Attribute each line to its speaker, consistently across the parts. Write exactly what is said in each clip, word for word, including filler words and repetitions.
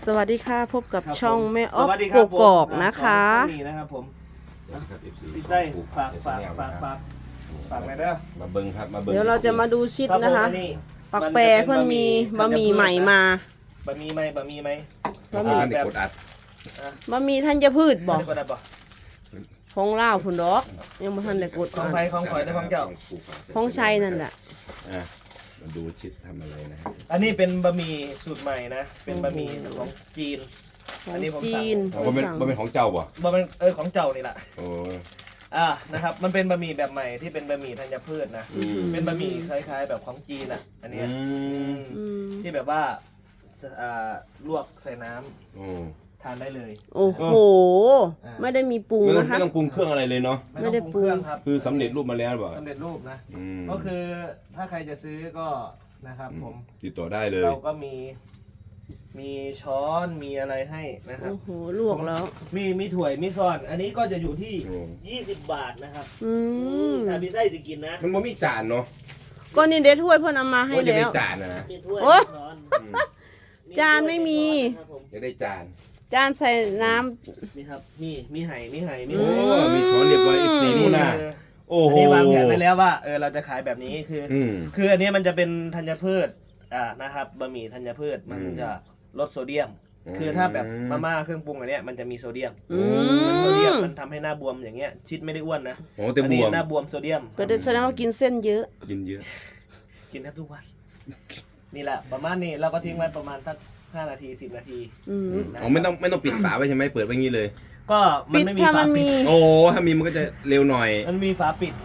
Speaker 1: สวัสดีค่ะพบกับ
Speaker 2: ครับ
Speaker 1: ช่อง
Speaker 2: ผม
Speaker 1: แม่อ๊อฟ
Speaker 2: สวัสดีค
Speaker 1: ก
Speaker 2: รับ
Speaker 1: กอกนะคะ
Speaker 2: ผมนี่นะครับผมพี่ไส้ฝากฝากฝากฝากฝากอะไรเด้อ
Speaker 3: มาเบิ้งครับมาเบิ้ง
Speaker 1: เดี๋ยวเราจะมาดูชิด
Speaker 2: ครับ
Speaker 1: นะคะ
Speaker 2: ผมอันนี้
Speaker 1: ปักแปรเพื่อนมีบะหมี่ใหม่มา
Speaker 2: บะหมี่ไหมบะหมี่ไหม
Speaker 3: บะหมี่มันเด็กกดอัด
Speaker 1: บะหมี่ท่านจะพืชบอก
Speaker 2: ได้ได้บ่
Speaker 1: ของลาวพุ่นดอกยังบ่ทันได้กด
Speaker 2: ของไฟของข่อยได้ของเจ้า
Speaker 1: ของชัยนั่นแหละ
Speaker 3: อ่ะมาดูชิดทำอะไรนะฮะ
Speaker 2: อันนี้เป็นบะหมี่สูตรใหม่นะเป็นบะหมี่ของจีน
Speaker 1: ขอ
Speaker 2: อั
Speaker 1: ง
Speaker 2: นนี้ผมสั่ง
Speaker 1: จีน
Speaker 3: อ๋อบ่เป็น
Speaker 1: สั่ง
Speaker 3: บ่เป็นของเจ้าบ่
Speaker 2: บะเป็นเออของเจ้านี่แหละ
Speaker 3: โอ้
Speaker 2: อ่านะครับมันเป็นบะหมี่แบบใหม่ที่เป็นบะหมี่ธัญพืชนะ
Speaker 3: อืม
Speaker 2: เป็นบะหมี่คล้ายๆแบบของจีนอ่ะอันเนี้ย
Speaker 3: อืม
Speaker 1: อืม
Speaker 2: ที่แบบว่าอ่าลวกใส่น้ำ
Speaker 3: โอ้
Speaker 2: ทานได้เลย
Speaker 1: โอ้โห
Speaker 2: อ่า
Speaker 1: ไม่ได้มีปรุง
Speaker 3: ไม่ต้อง
Speaker 1: นะคะ
Speaker 3: ไม่ต้องปรุงเครื่องอะไรเลยเนาะ
Speaker 2: ไม่ต้องปรุงเครื่องครับ
Speaker 3: คือสำเร็จรูปมาแล้วบ่
Speaker 2: สำเร็จรูปนะ
Speaker 3: อืม
Speaker 2: ก็คือถ้าใครจะซื้อก็นะครับผม
Speaker 3: ติดต่อได้เลย
Speaker 2: เราก็มีมีช้อนมีอะไรให้นะครับ
Speaker 1: โอ้โหลวกแล้ว
Speaker 2: มีมีถ้วยมีซ้อน อันนี้ก็จะอยู่ที่
Speaker 3: โอ้
Speaker 2: ยี่สิบบาทนะครับ
Speaker 1: อืม
Speaker 2: ถ้าพี่ไส้จะกินนะ
Speaker 3: มันบ่มีจานเนาะ
Speaker 1: ก็นี่เดี๋ยวถ้วยเพิ่นเอามาให้
Speaker 3: ว่าจะ
Speaker 1: แล้
Speaker 3: ได้
Speaker 1: ว
Speaker 3: จานนะนะ
Speaker 2: มีถ้วย
Speaker 1: โอ้
Speaker 2: มีช้อน
Speaker 3: อืม
Speaker 1: จานไม่มี
Speaker 2: ครับผม
Speaker 3: จะได้จาน
Speaker 1: จานใส่น้ำ
Speaker 2: นี่ครับมีมีไห่มีไห่มี
Speaker 3: โอ้
Speaker 2: ไห่
Speaker 3: มีช้อนเรียบร้อย เอฟ ซี นู่นน่ะ
Speaker 2: คือ
Speaker 3: โอ้
Speaker 2: อัน
Speaker 3: โห
Speaker 2: นี้วางแผนไว้แล้วว่าเออเราจะขายแบบนี้คืออ
Speaker 3: อืม
Speaker 2: คืออันนี้มันจะเป็นธัญพืชอ่านะครับบะหมี่ธัญพืชมัน
Speaker 3: อืม
Speaker 2: จะลดโซเดียม
Speaker 3: อืม
Speaker 2: คือถ้าแบบมาม่าเครื่องปรุงอันเนี้ยมันจะมีโซเดียม
Speaker 1: อื
Speaker 2: มันโซเดียม
Speaker 1: ม
Speaker 2: มันทำให้หน้าบวมอย่างเงี้ยชิดไม่ได้อ้วนนะ
Speaker 3: โอ้แต่
Speaker 2: อัน
Speaker 3: บ
Speaker 2: นี้
Speaker 3: วม
Speaker 2: หน้าบวมโซเดียม
Speaker 1: ก็ได้แสดงว่ากินเส้นเยอะ
Speaker 3: กินเยอะ
Speaker 2: กินแทบทุกวัน นี่แหละประมาณนี้เราก็ทิ้งไว้ประมาณสักห้านาทีสิบนาที
Speaker 1: อืม
Speaker 3: อ๋อไม่ต้องไม่ต้องปิดฝาไว้ใช่ไหมเปิดไว้งี้เลย
Speaker 2: ก็มัน
Speaker 1: ปิด
Speaker 2: ไม่มี
Speaker 1: ถ้า
Speaker 2: ฝา
Speaker 1: มัน
Speaker 2: ปิ
Speaker 1: มี
Speaker 2: ด
Speaker 3: โอ้ถ้ามีมันก็จะเร็วหน่อย
Speaker 2: มันมีฝาปิด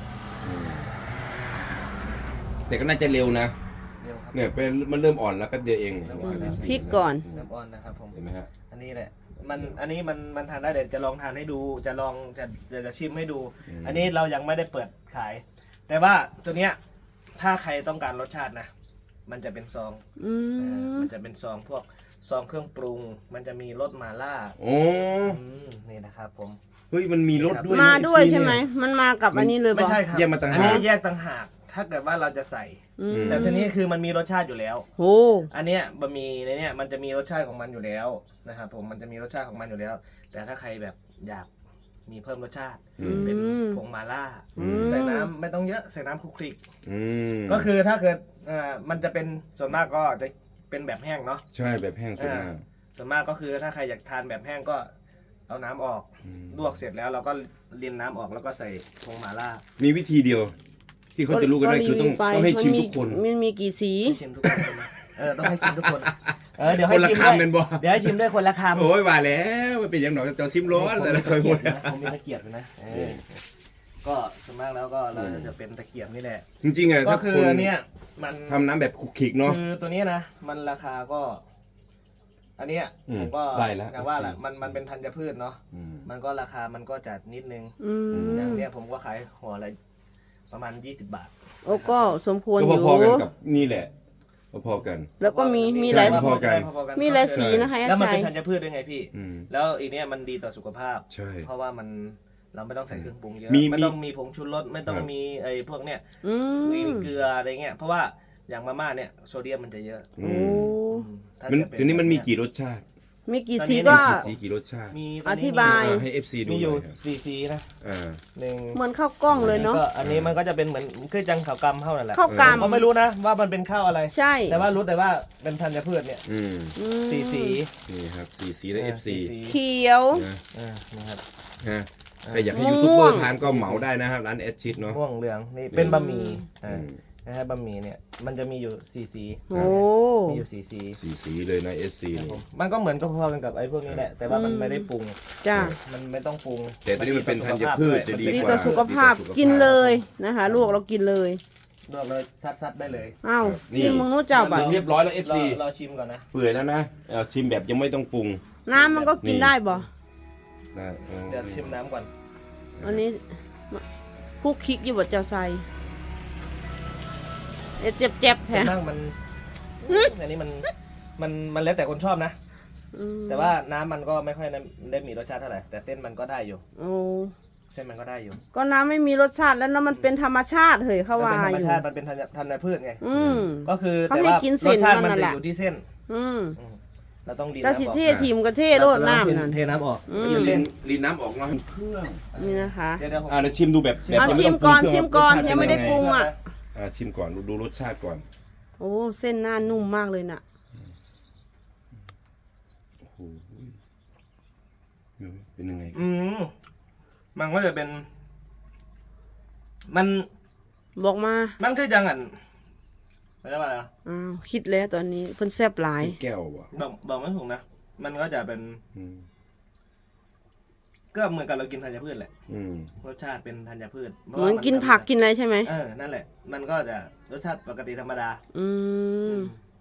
Speaker 3: แต่ก็น่าจะเร็วนะ
Speaker 2: เดี๋ยวครับ
Speaker 3: เนี่ยเป็นมันเริ่มอ่อนแล้วแป๊บเดียวเอง
Speaker 2: เริ่มอ่อนแล้ว
Speaker 1: พริกก่อน
Speaker 2: น้ำอ้อนนะครับผม
Speaker 3: เห็นไหมฮะ
Speaker 2: อันนี้แหละ มัน อันนี้มัน มันทานได้เดี๋ยวจะลองทานให้ดู จะลอง จะจะจะชิมให้ดู อันนี้เรายังไม่ได้เปิดขาย แต่ว่าตัวเนี้ย ถ้าใครต้องการรสชาตินะ มันจะเป็นซอง
Speaker 1: อื
Speaker 2: เออ
Speaker 1: ม
Speaker 2: มันจะเป็นซองพวกซองเครื่องปรุง มันจะมีรสมาล่า
Speaker 3: โอ้
Speaker 2: อืมนี่นะครับผม
Speaker 3: เฮ้ยมันมีรสด้วย
Speaker 1: มา
Speaker 3: นะ
Speaker 1: ด้วย
Speaker 3: เอฟซี
Speaker 1: ใช่ไหม
Speaker 3: เนี่ย
Speaker 1: มันมากับอันนี้เลย
Speaker 2: ไม่
Speaker 1: บอก
Speaker 2: ใช่ครับ
Speaker 3: แยกมาต่างหาก
Speaker 2: อันนี้แยกต่างหาก ถ้าเกิดว่าเราจะใส่
Speaker 1: อืม
Speaker 2: แต่ทีนี้คือมันมีรสชาติอยู่แล้ว
Speaker 1: โอ้
Speaker 2: อันเนี้ยบะหมี่ในเนี้ยมันจะมีรสชาติของมันอยู่แล้วนะครับผม มันจะมีรสชาติของมันอยู่แล้ว แต่ถ้าใครแบบอยากมีเพิ่มรสชาติ
Speaker 3: อืม
Speaker 2: เป็นผงมาล่า
Speaker 3: อืม
Speaker 2: ใส่น้ำไม่ต้องเยอะใส่น้ำคลุกคลิก
Speaker 3: อืม
Speaker 2: ก็คือถ้าเกิดอ่ามันจะเป็นส่วนมากก็จะเป็นแบบแห้งเนาะ
Speaker 3: ใช่แบบแห้งสุดมาก
Speaker 2: ส่วนมากก็คือถ้าใครอยากทานแบบแห้งก็เอาน้ำออก
Speaker 3: อืม
Speaker 2: ลวกเสร็จแล้วเราก็เลียนน้ำออกแล้วก็ใส่ผงมาล่า
Speaker 3: มีวิธีเดียว ที่เขาจะรู้กันได้คือต้องต้องให้ชิมทุกคน
Speaker 1: มันมีกี่สี
Speaker 2: ให้ชิมทุกคนใช่ไหมเออต้องให้ชิมทุกคนเออเดี๋ยว
Speaker 3: ค
Speaker 2: ให้
Speaker 3: นละ
Speaker 2: ชิมด้วย
Speaker 3: คำเป็นบ่
Speaker 2: เดี๋ยวให้ชิมด้วยคนละคำ
Speaker 3: โอ้ยว่าแล้วมันเป็นอย่างหนอกจะซิมร้อนแต่ละคนหมด
Speaker 2: ผมมีตะเกียบอยู่นะเออก็ส่วนมากแล้วก็เราจะเป็นตะเกียบนี่แหละ
Speaker 3: จริงๆอ่ะ
Speaker 2: ก็
Speaker 3: ถ้า
Speaker 2: คือ
Speaker 3: คน
Speaker 2: อันเนี้ยมัน
Speaker 3: ทำน้ำแบบคุกคิกเนาะ
Speaker 2: คือตัวเนี้ยนะมันราคาก็ อันเนี้ย
Speaker 3: อืม
Speaker 2: ผมก็
Speaker 3: ได้แล้ว
Speaker 2: อย่างว่าแหละมันมันเป็นธัญพืชเนาะ
Speaker 3: อืม
Speaker 2: มันก็ราคามันก็จัดนิดนึง
Speaker 1: อืม
Speaker 2: อย่างเนี้ยผมก็ขายห่อละประมาณยี่สิบบาท
Speaker 1: โอ้ก็สมควร
Speaker 3: ก็
Speaker 1: อยู่
Speaker 3: พอๆกันกับนี่แหละพอๆกัน
Speaker 1: แล้วก็มีมีหลาย
Speaker 3: ใช่ พอๆกัน
Speaker 2: พอๆ
Speaker 1: มีหลายสีนะคะ
Speaker 2: แล้วมัน
Speaker 1: อาชั
Speaker 2: เป็
Speaker 1: ย
Speaker 2: นธัญพืชด้วยไงพี่
Speaker 3: อืม
Speaker 2: แล้วอีเนี้ยมันดีต่อสุขภาพ
Speaker 3: ใช่
Speaker 2: เพราะว่ามันเราไม่ต้องใส่เครื่องปรุงเยอะ
Speaker 3: มี
Speaker 2: ไม่
Speaker 3: มี
Speaker 2: ต้องมีผงชูรสไม่ต้อง
Speaker 3: ครับ
Speaker 2: มีไอ้พวกเนี้ย
Speaker 1: อื
Speaker 2: มี
Speaker 1: ม
Speaker 2: เกลืออะไรเงี้ยเพราะว่าอย่างมาม่าเนี่ยโซเดียมมันจะเยอะ
Speaker 3: อื
Speaker 1: โอ้
Speaker 3: ม
Speaker 2: ถ้า
Speaker 3: มัน
Speaker 2: จะเป็
Speaker 3: ทีนี้มันมีกี่รสชาติ
Speaker 1: มีกี่
Speaker 2: ตอน
Speaker 1: สี
Speaker 2: นี้
Speaker 1: ก็
Speaker 3: กี่สีกี่รสชาติ
Speaker 2: มี
Speaker 1: อธิบาย
Speaker 3: อ่าให้ เอฟ ซี ดู
Speaker 2: มี
Speaker 3: ห
Speaker 2: อ
Speaker 3: น่
Speaker 2: ยู่
Speaker 3: อยครับ
Speaker 2: สี่สีนะ
Speaker 3: อ่า
Speaker 2: หนึ่ง
Speaker 1: เหมือนข้าวกล้องเลยเนาะ
Speaker 2: ก็อันนี้มันก็จะเป็นเหมือนคือจังข่าวกำเข้านั่นแหละ
Speaker 1: ข้าวก
Speaker 2: ผมก็ไม่รู้นะว่ามันเป็นข้าวอะไร
Speaker 1: ำใช่
Speaker 2: แต่ว่ารู้แต่ว่าเป็นธัญพืชเนี่ย
Speaker 3: อืม
Speaker 1: อืม
Speaker 2: สีสี
Speaker 3: นี่ครับสีสีและ เอฟ ซี
Speaker 2: สี
Speaker 1: เขียว
Speaker 3: นะ
Speaker 2: อ่านะครับ
Speaker 3: ฮะใครอยากให้
Speaker 1: ม่วง
Speaker 3: ยูทูบเบอร์ทานก็เหมาได้นะครับร้านแอดชิดเนาะ
Speaker 2: ม่วงเหลืองนี่เป็นบะหมี่
Speaker 3: อื
Speaker 2: อ่าม นะฮะบะหมี่เนี่ยมันจะมีอยู่สี่สี
Speaker 1: โอ้
Speaker 2: มีอยู่สี่สี
Speaker 3: สีสีเลยนะ เอฟ ซี
Speaker 2: ครับ
Speaker 3: นี่
Speaker 2: ผมมันก็เหมือนก็พอกันกับไอ้พวกนี้แหละแต่ว่ามันไม่ได้ปรุง
Speaker 1: จ้า
Speaker 2: มันไม่ต้องปรุง
Speaker 3: แต่ตัวนี้มันเป็นธัญพืชจะดี
Speaker 1: ดี
Speaker 3: ก
Speaker 1: ต่อ
Speaker 3: ว่า
Speaker 1: สุขภาพ
Speaker 3: ดีต่อสุขภาพ
Speaker 1: กินเลยนะคะลวกเรากินเลย
Speaker 2: ลวกเลยซัดๆได้เลย
Speaker 1: อ้าว
Speaker 3: นี่
Speaker 1: ชิมมึงนู้นเจ้า
Speaker 3: เส
Speaker 1: บ่า
Speaker 3: ร็จเรียบร้อยแล้ว เอฟ
Speaker 2: รอ
Speaker 3: ซี
Speaker 2: รอชิมก่อนนะ
Speaker 3: เปื่อยแล้วนะเอาชิมแบบยังไม่ต้องปรุง
Speaker 1: น้ำมันก็กินได้บ่
Speaker 3: นะเอา
Speaker 2: เดี๋ยวชิมน้ำก่อน
Speaker 1: อันนี้คุกคิกอยู่บ่เจ้าใส่เอ๊ะเจ็บๆแท้
Speaker 2: นั่งมันอันนี้มันมันมันแล้วแต่คนชอบนะ
Speaker 1: อืม
Speaker 2: แต่ว่าน้ำมันก็ไม่ค่อยได้มีรสชาติเท่าไหร่แต่เส้นมันก็ได้อยู่
Speaker 1: โอ้
Speaker 2: เส้นมันก็ได้อยู่
Speaker 1: ก็น้ำไม่มีรสชาติแล้วน้ำมันเป็นธรรมชาติเฮ้ยเขา
Speaker 2: มัน
Speaker 1: ว่า
Speaker 2: เป็นธรรม
Speaker 1: อยู่
Speaker 2: ชาติมันเป็นธัญธัญพืชไง
Speaker 1: อืม
Speaker 2: ก็คือ
Speaker 1: เขา
Speaker 2: แต่
Speaker 1: ให้
Speaker 2: ว่า
Speaker 1: กินเส้
Speaker 2: ร
Speaker 1: น
Speaker 2: สชาติ
Speaker 1: มั
Speaker 2: มัน น
Speaker 1: น่ะ
Speaker 2: จะ
Speaker 1: แหละ
Speaker 2: อยู่ที่เส้น
Speaker 1: อืม
Speaker 2: อืมเราต้องดี
Speaker 1: กระ
Speaker 2: น้ำ
Speaker 1: สิ
Speaker 2: ออก
Speaker 1: เททีมกระเทโลดน้ำนั่น
Speaker 2: เทน้ำออก
Speaker 1: อืม
Speaker 3: จะ
Speaker 2: เท
Speaker 3: ลินลินน้ำออกเนาะเครื่อง
Speaker 1: นี่นะคะ
Speaker 2: เดี๋ยวเดี๋ยวผม
Speaker 3: อ่าเดี๋ยวชิมดูแบบแบบ
Speaker 1: เอา
Speaker 3: ไต้
Speaker 1: ชิ
Speaker 3: ง
Speaker 1: มก่อน
Speaker 3: ปรุงเครื่
Speaker 1: ชิมก่อน
Speaker 3: รสชาติ
Speaker 1: ยังไม่ได้
Speaker 3: เป็น
Speaker 1: ปรุง อ่ะ
Speaker 3: อ่าชิมก่อนดูดูรสชาติก่อน
Speaker 1: โอ้เส้นหน้านุ่มมากเลยน่ะ
Speaker 3: โอ้โหเป็นยังไง
Speaker 2: อืมมันก็จะเป็น มัน
Speaker 1: บอกมา
Speaker 2: มันคือจังอันไม่ได้ว่าอะไรนะ
Speaker 1: อ้าวคิดแล้วตอนนี้เพิ่นแซ่บหลาย
Speaker 3: แก้วว่ะ
Speaker 2: บอกบอกไม่ถูกนะ มันก็จะเป็น
Speaker 3: อืม
Speaker 2: ก็เหมือนกับเรากินธัญพืชแหละ
Speaker 3: อืม
Speaker 2: รสชาติเป็นธัญพืช
Speaker 1: เหมือนกินผักกินอะไรใช่ไหม
Speaker 2: เออ นั่นแหละ มันก็จะรสชาติปกติธรรมดา
Speaker 1: อืม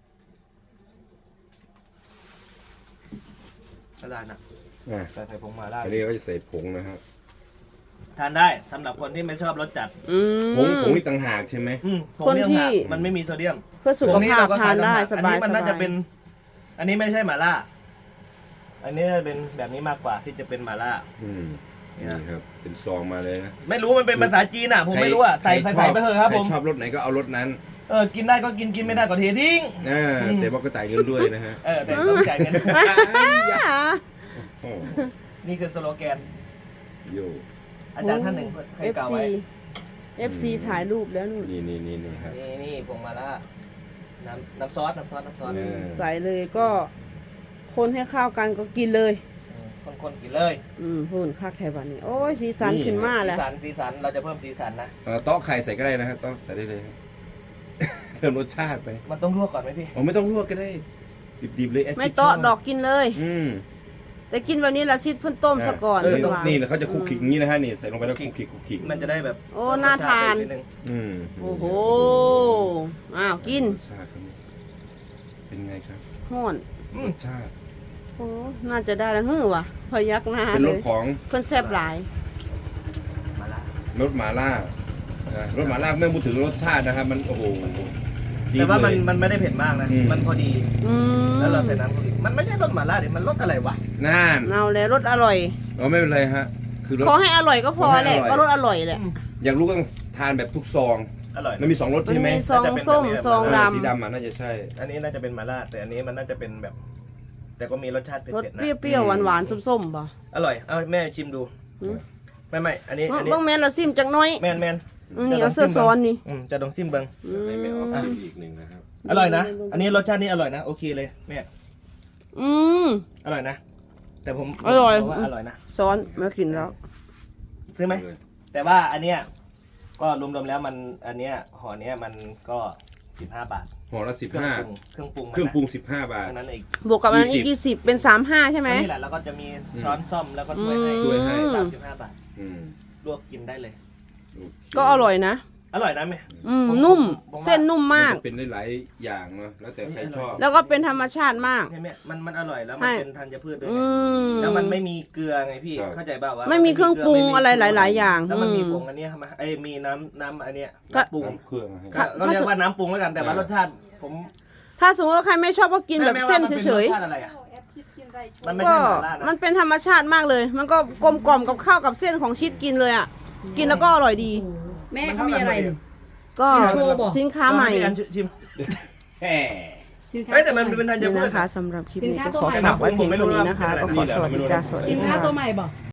Speaker 2: ก็ได้นะ
Speaker 3: อ่า
Speaker 2: ใส่ใส่ผงมาได้
Speaker 3: อันนี้ก็จะใส่ผงนะฮะ
Speaker 2: ทานได้สำหรับคนที่ไม่ชอบรสจัด
Speaker 1: อืม
Speaker 3: ผงผงนี่ต่างหากใช่ไหม
Speaker 2: อืมผง
Speaker 1: คน
Speaker 2: เนี่ย
Speaker 1: ที่
Speaker 2: ค่ะมันไม่มีโซเดียม
Speaker 1: เพื่อสุขภาพทานได้สบาย
Speaker 2: อันนี้มัน
Speaker 1: ส
Speaker 2: น่า
Speaker 1: บา
Speaker 2: จะ
Speaker 1: ย
Speaker 2: เป็น อันนี้ไม่ใช่หม่าล่า อันนี้จะเป็นแบบนี้มากกว่าที่จะเป็นหม่าล่า
Speaker 3: อืม
Speaker 2: เนี่
Speaker 3: นี่
Speaker 2: ย
Speaker 3: ครับเป็นซองมาเลยนะ
Speaker 2: ไม่รู้มันเป็นภาษาจีนอ่ะ ผมไม่รู้อ่ะ ใส่
Speaker 3: ใคร
Speaker 2: ใส่
Speaker 3: ชอบ
Speaker 2: ไปเถอะครับ
Speaker 3: ใคร
Speaker 2: ผม
Speaker 3: ชอบรสไหนก็เอารสนั้น
Speaker 2: เออ กินได้ก็กิน กินไม่ได้ก็เททิ้ง
Speaker 3: อ่า
Speaker 2: อืม
Speaker 3: แต่ว่าก็จ่ายเงินด้วยนะฮะ
Speaker 2: เออ แต่ต้องจ่ายเงิน
Speaker 3: โอ้
Speaker 2: นี่คือสโลแกน
Speaker 3: โย
Speaker 2: อาจารย์ท่านหนึ่งเคย
Speaker 1: เอฟ
Speaker 2: กล่าว
Speaker 1: ซี
Speaker 2: ไว้
Speaker 1: เอฟซีถ่ายรูปแล้วนู่น
Speaker 3: นี่นี่นี่นี่ครับ
Speaker 2: นี่นี่ผงมาล่า น้ำน้ำซอส น้ำซอส น้ำซอส
Speaker 3: เออ
Speaker 1: ใส่เลยก็คนให้เข้ากันก็กินเลย
Speaker 2: คนคนๆกินเลย
Speaker 1: อืมหุ่นคักแถวบ้านนี้โอ้ยสีสันขึ้นมา
Speaker 2: สี
Speaker 1: แล้ว
Speaker 2: สัน สีสัน เราจะเพิ่มสีสันนะ
Speaker 3: เอ่อโต๊ะไข่ใส่ก็ได้นะครับโต๊ะใส่ได้เลยครับ เพิ่มรสชาติไป
Speaker 2: มันต้องลวกก่อนไหมพี่
Speaker 3: อ๋อไม่ต้องลวกก็ได้ดิบๆเลย as
Speaker 1: ไม่
Speaker 3: you
Speaker 1: เตาะ
Speaker 3: ชบ
Speaker 1: ดอกกินเลย
Speaker 3: อืม
Speaker 1: แต่กินแบบนี้ละชิดเพิ่นต้มซะก่อน
Speaker 3: เออ
Speaker 1: ดีกว่า
Speaker 3: นี่แหละเขาจะคลุกคลิกอย่างนี้นะฮะนี่ใส่ลงไปแล้วคลุกคลิกคลุกคลิก
Speaker 2: มันจะได้แบบ
Speaker 1: โอ้น่าทาน
Speaker 2: รสชติดง
Speaker 3: อืม
Speaker 1: โอ้โหอ้าวกิน
Speaker 3: รสชาติครับเป็นไงครับ
Speaker 1: ห้อน
Speaker 3: รสชาติ
Speaker 1: โอ้น่าจะได้แล้วฮือว่ะพยักหน้า
Speaker 3: เป็น
Speaker 1: เล
Speaker 3: รส
Speaker 1: ย
Speaker 3: ของ
Speaker 1: เพิ่นแซ่บหลาย
Speaker 2: มาละ
Speaker 3: รสหมาล่าอ่ารสหมาล่าไม่พูดถึงรสชาตินะครับ มันโอ้โหจี๊ด
Speaker 2: แต่ว่ามัน
Speaker 3: เลย
Speaker 2: มันไม่ได้เผ็ดมากนะ
Speaker 3: อืม
Speaker 2: มันพอดี
Speaker 1: อืม
Speaker 2: แล้วเราใส่น้ำพอดีมันไม่ใช่รสหม่าล่าเดี๋ยวมันรสอะไรวะ
Speaker 3: น่าน
Speaker 1: เอาแล้วรสอร่อย
Speaker 3: อ๋อไม่เป็นไรฮะ คือรส
Speaker 1: ขอให้อร่อยก็พอแหละ
Speaker 3: ขอให้อร่อย
Speaker 1: ก็รสอร่อยแหละ
Speaker 3: อยากรู้ก็ต้องทานแบบทุกซอง
Speaker 2: อร่อย
Speaker 3: มันมีสองรส
Speaker 1: มัน
Speaker 3: ใช่ไหม
Speaker 1: มีซองส้มซอง
Speaker 3: เออ
Speaker 1: ด
Speaker 3: สีดำอ่ะน่าจะใช่
Speaker 2: อันนี้น่าจะเป็นหม่าล่าแต่อันนี้มันน่าจะเป็นแบบ แต่ก็มีรสชาติ
Speaker 1: ำรส
Speaker 2: เผ็ดๆ
Speaker 1: เป
Speaker 2: นะ
Speaker 1: รี้ยวๆหวานๆส้มๆป่ะ
Speaker 2: อร่อย เอาแม่ชิมดู
Speaker 1: อืม
Speaker 2: ไม่ไม่อันนี้อันนี้
Speaker 1: บ้างแม่นละซิมจักหน้อย
Speaker 2: แมนแมน
Speaker 1: อืมนี่เอาเสื้อซ้อนนี่
Speaker 2: อืมจะลองซิมเบิง
Speaker 1: อืม
Speaker 3: ให้แม่ออฟชิมอีกหนึ่งนะครับ
Speaker 2: อร่อยนะ อันนี้รสชาตินี้อร่อยนะ โอเคเลยแม่
Speaker 1: อืม
Speaker 2: อร่อยนะ แต่ผม
Speaker 1: อร่อย
Speaker 2: ผมว่าอร่อยนะ
Speaker 1: ซ้อนมากินแล้ว
Speaker 2: ซื้อไหม แต่ว่าอันเนี้ยก็รวมๆแล้วมันอันเนี้ยห่อเนี้ยมันก็สิบห้าบาท
Speaker 3: ห่อละสิบ
Speaker 2: เครื่อง
Speaker 3: ห้า
Speaker 2: ปรุงเครื่องปรุงมันนะ
Speaker 3: เครื่องปรุงสิบห้าบาท
Speaker 2: เท่านั้นเอง
Speaker 1: บวกกับอันนั้นอีก
Speaker 3: ยี่
Speaker 1: ยี่
Speaker 3: สิ
Speaker 1: สิบบ เป็นสามห้าใช่ไหม
Speaker 2: นี่แหละแล้วก็จะมีช้อนซ่อมแล้วก็ถ้วยให้
Speaker 1: อืม
Speaker 3: ถ้วยให้
Speaker 2: สามสิบห้าบาท
Speaker 3: อืม
Speaker 2: ลวกกินได้เลย
Speaker 3: โอเค
Speaker 1: ก็อร่อยนะ
Speaker 2: อร่อยนะแม่
Speaker 1: อืม
Speaker 2: ผม
Speaker 1: นุ่ม
Speaker 2: ผมว่า
Speaker 1: เส้นนุ่มมาก
Speaker 3: นจะเป็นได้หลายอย่างเนาะแล้วแต่ใครชอบ
Speaker 1: แล้วก็เป็นธรรมชาติมาก
Speaker 2: เนี่ยแม่มันมันอร่อยแล้วมัน
Speaker 1: ให้
Speaker 2: เป็นธัญพืชด้วย
Speaker 1: อื
Speaker 2: ไง
Speaker 1: ม
Speaker 2: แล้วมันไม่มีเกลือไงพี่
Speaker 3: ครับ
Speaker 2: เข้าใจเปล่าว่า
Speaker 1: ไม่มีเครื่องปรุงอะไรหลายๆอย่าง
Speaker 2: แล้วมันมี
Speaker 1: อืม
Speaker 2: ผงอันเนี้ยมาไอ้ยมีน้ำน้ำอันเนี้ย
Speaker 1: ก็
Speaker 2: น้ำปรุง
Speaker 3: น้ำเครื่องให้
Speaker 2: ก็ก็เรียกว่าน้ำปรุงแล้วกันแต่ว่ารสชาติผม
Speaker 1: ถ้าสมมติว่าใครไม่ชอบก็กินแบบ
Speaker 2: แม่
Speaker 1: เส้น
Speaker 2: ว่ามัป็
Speaker 1: เฉย
Speaker 2: รสชาติอะไรอะมันไม่
Speaker 1: ๆ ก็
Speaker 2: ใช่หม่าล่านะ
Speaker 1: มันเป็นธรรมชาติมากเลย มันก็กลมกล่อมกับข้าวกับเส้นของชีสกินเลยอ่ะ กินแล้วก็อร่อยดี
Speaker 4: แม่เขามีอะไรเนี่ย
Speaker 1: ก็
Speaker 4: โชว์บอก
Speaker 1: สินค้าใหม่
Speaker 2: พี่อันชิม
Speaker 3: แหม
Speaker 4: สินค้า
Speaker 2: เฮ้ยแต่มันเป็นธัญ
Speaker 1: นี่
Speaker 2: พืช
Speaker 1: นะคะสำหรับคลิปนี้
Speaker 4: สินค้า
Speaker 1: ก็ขอ
Speaker 4: ตัวใหม่
Speaker 1: ฝากไว้เพียงเท่านี้นะคะ ก็ขอสวัสดีจ้าสวัสดี
Speaker 4: สินค้า
Speaker 1: ค่ะ
Speaker 4: ตัวใหม่บอก